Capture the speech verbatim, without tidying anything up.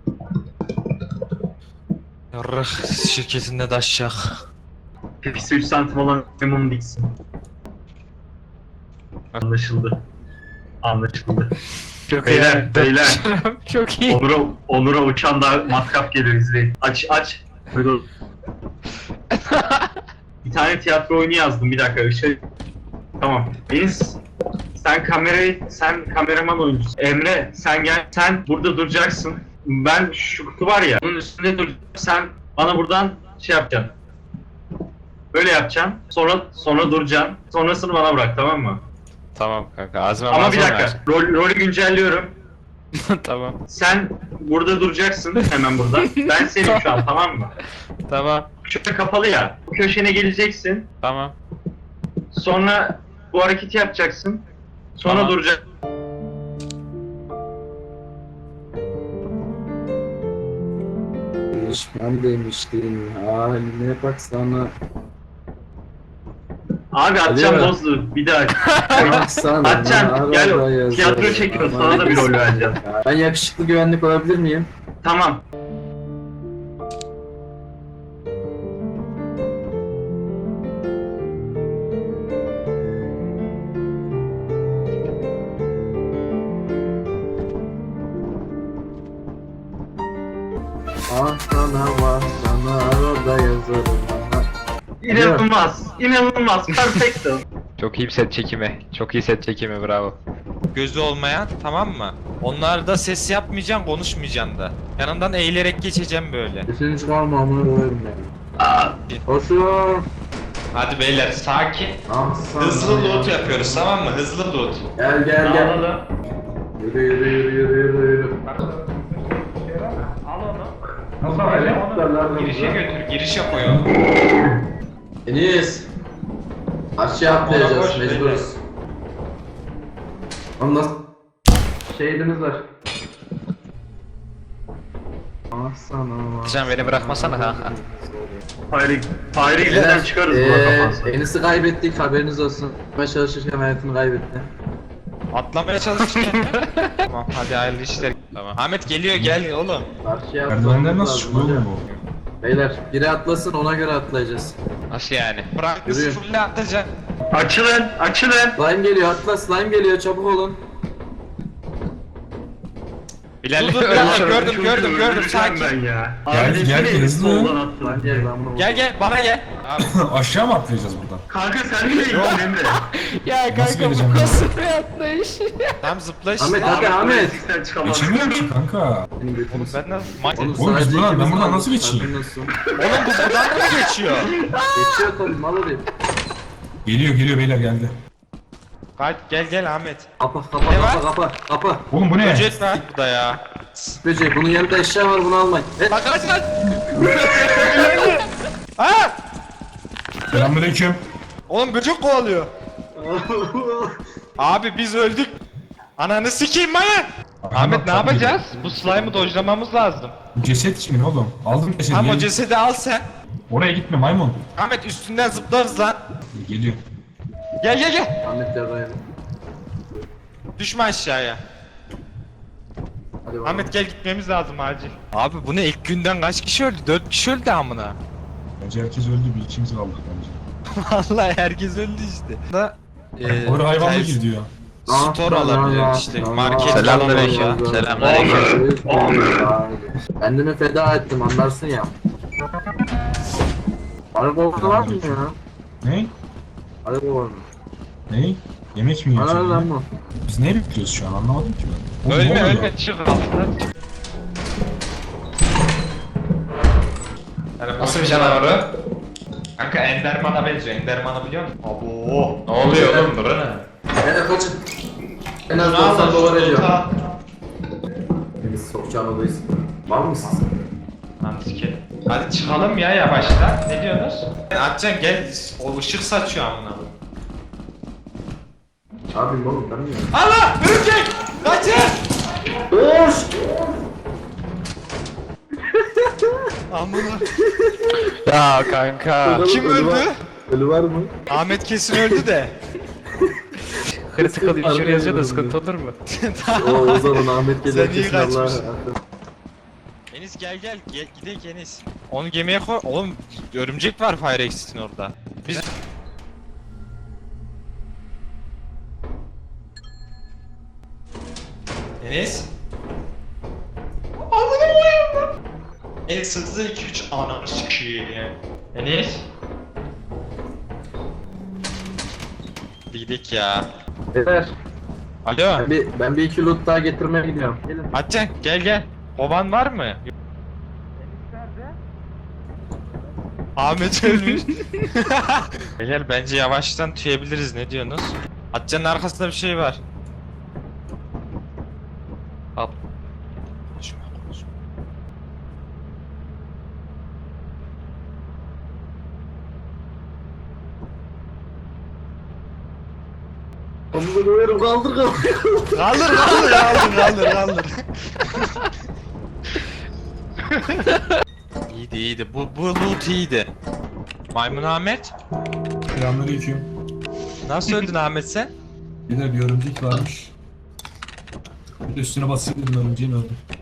Yarrah şirketinde daşacak. Pipisi üç santim olan memnun diksin. Anlaşıldı. Anlaşıldı. Çok Beyler, iyi. beyler. Çok iyi. Onur'a, Onur'a uçan da matkap gelir izleyin. Aç aç. Böyle ol. Bir tane tiyatro oyunu yazdım, bir dakika. Şey... Tamam. Deniz, sen kamerayı, sen kameraman oyuncusun. Emre, sen gel, sen burada duracaksın. Ben şu kutu var ya, onun üstünde duracağım. Sen bana buradan şey yapacaksın. Böyle yapacaksın. Sonra sonra duracaksın. Sonrasını bana bırak, tamam mı? Tamam kanka ağzıma Ama bir malzeme dakika. Rol, rolü güncelliyorum. ver. Tamam. Sen burada duracaksın hemen burada. Ben senin şu an, tamam mı? Tamam. Köşe kapalı ya. Bu köşene geleceksin. Tamam. Sonra bu hareketi yapacaksın. Sonra Tamam. duracaksın. Ben demiştim haline baksana. Abi atacağım Hadi ya. bozdu. Bir daha. Baksana. Atacaksın. Gel arada yazarım. tiyatro çekiyoruz. Aman Sana da bir rol vereceğim. Ben yakışıklı güvenlik olabilir miyim? Tamam. Ah sana var sana arada yazarım. İnanılmaz. İnanılmaz. Perfecto. Çok iyi set çekimi. Çok iyi set çekimi bravo. Gözü olmayan tamam mı? Onlar da ses yapmayacaksın, konuşmayacaksın da. Yanından eğilerek geçeceğim böyle. Üçüncü kalma amına koyarım yani. Aa, Koşuyor. Hadi beyler sakin. Ah sana. Hızlı loot yapıyoruz tamam mı? Hızlı loot. Gel gel gel. Dağılalım. Yürü yürü yürü yürü yürü yürü. Nasıl öyle? Girişe götür, girişe koyun. Enis. Aşağı atlayacağız koş, mecburuz. Oğlum nasıl? Şehidimiz var. Ah sana. Sen beni bırakmasana kanka. Fire, Fire Exit'den çıkarız buna Eee kapansa. Enis'i kaybettik haberiniz olsun. Ben çalışırken hayatını kaybetti. Atlamaya çalışırken. Tamam hadi hayırlı işler. Tamam. Ahmet geliyor gel oğlum. Karşıya Merdivenler atlamamız nasıl lazım çıkıyor hocam. oğlum bu? Beyler biri atlasın ona göre atlayacağız. Nasıl yani? Bırak Yürüyün. fulle atacaksın. Açılın, açılın. Slime geliyor atla slime geliyor çabuk olun. Bilal Dur, dur, gördüm dur, gördüm dur, gördüm dur, gördüm öldüreceğim sakin. ben ya. Gel, Abi, gel, desene, hızlı. soldan attın. Slime gel ben bunu Gel gel bana gel. Abi. Aşağı mı atlayacağız buradan? Kanka sen nereye gittin Emre? Ya Nasıl geleceğim ben? Tamam zıpla işte. Ahmet hadi Abi, Ahmet. Exit'ten çıkamaz. Geçemiyorum ki kanka. Benim götümü Oğlum ben nasıl? Ma- Oğlum, Oğlum biz sadece buradan- ben ikimiz buradan kaldık, nasıl geçeyim? haberin olsun. Oğlum bu buradan da mı geçiyor? Geçiyor tabii mal olayım. Geliyor geliyor beyler geldi. Kaç gel gel Ahmet. Kapa kapa Ne kapa var? kapa kapa. Oğlum bu ne? Böcek var burada ya. Böcek bunun yanında eşya var bunu almayın. E, Bak kaç kaç. Ha! Selamünaleyküm. Oğlum böcek kovalıyor. Abi biz öldük. Ananı sikeyim manyak. Ahmet ne yapacağız? Bu slime'ı dojlamamız lazım. Bu ceset kimin oğlum? Aldım cesedi. Tam o gel. cesedi al sen. Oraya gitme maymun. Ahmet üstünden zıplarız lan. Geliyor. Gel gel gel. Ahmet yarrayalım. Düşme aşağıya. Hadi bakalım. Ahmet gel gitmemiz lazım acil. Abi bu ne ilk günden kaç kişi öldü? dört kişi öldü amına. Bence herkes öldü bir ikimiz kaldık bence. Vallahi herkes öldü işte. Da e, Oraya hayvan mı ters- gidiyor? Store olabilir işte, market Selamünaleyküm. falan. Selamünaleyküm. Kendimi feda ettim anlarsın ya. Araba orada var mı ya? Ne? Araba var mı? Ne? Yemek mi Ana yiyorsun? lan ya? bu. Biz ne bekliyoruz şu an anlamadım ki ben. Oğlum, ne Ölme oluyor? ölme çık altından çık. Nasıl bir canavarı? Kanka Enderman'a benziyor. Enderman'ı biliyor musun? Abo. Ne oluyor oğlum bura ne? Hele kaçın. En az doksan dolar ediyor. Biz sokacağın odayız. Var mısın? Lan sikerim. Hadi çıkalım ya yavaştan. Ne diyorsunuz? Atcan gel. O ışık saçıyor amına. Abim oğlum ben mi ya? Allah! Örümcek! Kaçın! Oş! Amına. Ya kanka. Kim Ölü var- öldü? Ölü var mı? Ahmet kesin öldü de. Critical injury yazıyor da sıkıntı olur mu? Oo o zaman Ahmet Sen gelir iyi kesin Allah. kaçmışsın. Enis gel gel, gel gidelim Enis. Onu gemiye koy. Oğlum örümcek var Fire Exit'in orada. Biz Enis. Enis hızlı iki üç ananı sikiyim. Enis. Hadi gidelim ya. Beyler Alo. ben bir, ben bir iki loot daha getirmeye gidiyorum. Gelin. Atcan gel gel. Kovan var mı? Ahmet ölmüş. Beyler bence yavaştan tüyebiliriz, ne diyorsunuz? Atcan'ın arkasında bir şey var. Al. Konuşma konuşma. Onu böyle kaldır kaldır. Kaldır kaldır kaldır kaldır kaldır. İyiydi iyiydi. Bu, bu loot iyiydi. Maymun Ahmet. Selamünaleyküm. Nasıl öldün Ahmet sen? Yine bir örümcek varmış. Bir de üstüne basayım dedim örümceğin öldü.